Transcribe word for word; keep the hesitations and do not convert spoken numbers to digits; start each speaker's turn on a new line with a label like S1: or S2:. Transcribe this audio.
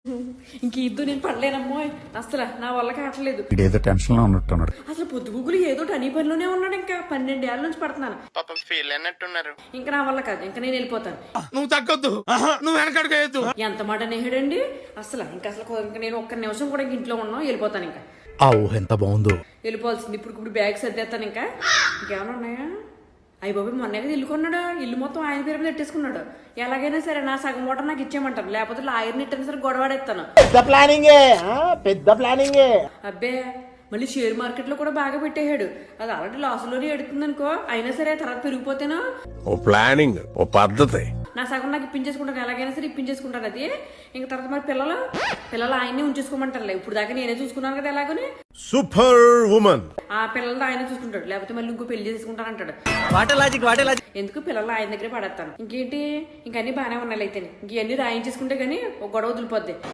S1: ఇంక ఇద్దు నేను పడలేనమ్మో అసలు నా వల్ల కావట్లేదు.
S2: ఏదో టెన్షన్ లో ఉన్నట్టున్నాడు.
S1: అసలు పొద్దుగుగులు ఏదో టనీ పనిలోనే ఉన్నాడు. ఇంకా పన్నెండేళ్ల నుంచి పడుతున్నాను.
S3: పాపం ఫీల్ అయినట్టున్నారు.
S1: ఇంకా నా వల్ల కాదు, ఇంకా నేను వెళ్ళిపోతాను.
S3: నువ్వు తగ్గొద్దు, నువ్వు వెనకడుగు.
S1: ఎంత మాట నేహడండి అసలు. ఇంకా అసలు ఇంకా నేను ఒక్క నిమిషం కూడా ఇంక ఇంట్లో ఉన్నాను, వెళ్ళిపోతాను. ఇంకా
S2: ఆ ఊహ ఎంత బాగుందో.
S1: వెళ్ళిపోవాల్సింది. ఇప్పుడు ఇప్పుడు బ్యాగ్ సర్దేస్తాను. ఇంకా ఇంకేమైనా ఉన్నాయా? అయ్యి బాబు మొన్నే కదా ఇల్లు కొన్నాడు. ఇల్లు మొత్తం ఆయన పేరు మీద పెట్టేసుకున్నాడు. ఎలాగైనా సరే నా సగం మూట నాకు ఇచ్చేయమంటారు, లేకపోతే లాయర్ని ఇట్టని సరే గొడవాడేస్తాను.
S4: పెద్ద ప్లానింగే పెద్ద ప్లానింగే.
S1: అబ్బే మళ్ళీ షేర్ మార్కెట్ లో కూడా బాగా పెట్టేశాడు. అది ఆల్రెడీ లాస్ లోనే ఎడుతుంది అనుకో, అయినా సరే తర్వాత పెరిగిపోతేనా.
S5: ఓ ప్లానింగ్, ఓ పద్ధతి.
S1: నా సగం నాకు ఇప్పించేసుకుంటాను, ఎలాగైనా సరే ఇప్పించేసుకుంటాను. అది ఇంకా తర్వాత మరి పిల్లలు పిల్లలు ఆయన్ని ఉంచేసుకోమంటారులే. ఇప్పుడు దాకా నేనే చూసుకున్నాను కదా ఎలాగని.
S5: Super women.
S1: ఆ పిల్లలతో ఆయన చూసుకుంటాడు, లేకపోతే మళ్ళీ ఇంకో పెళ్లి చేసుకుంటానంటాడు.
S4: What a logic what a logic.
S1: ఎందుకు పిల్లలు ఆయన దగ్గరే పడేస్తాను. ఇంకేంటి ఇంకన్నీ బాగానే ఉన్నాయి. అయితే ఇంకన్నీ రాయించేసుకుంటే గానీ ఒక గొడవ వదిలిపోద్ది.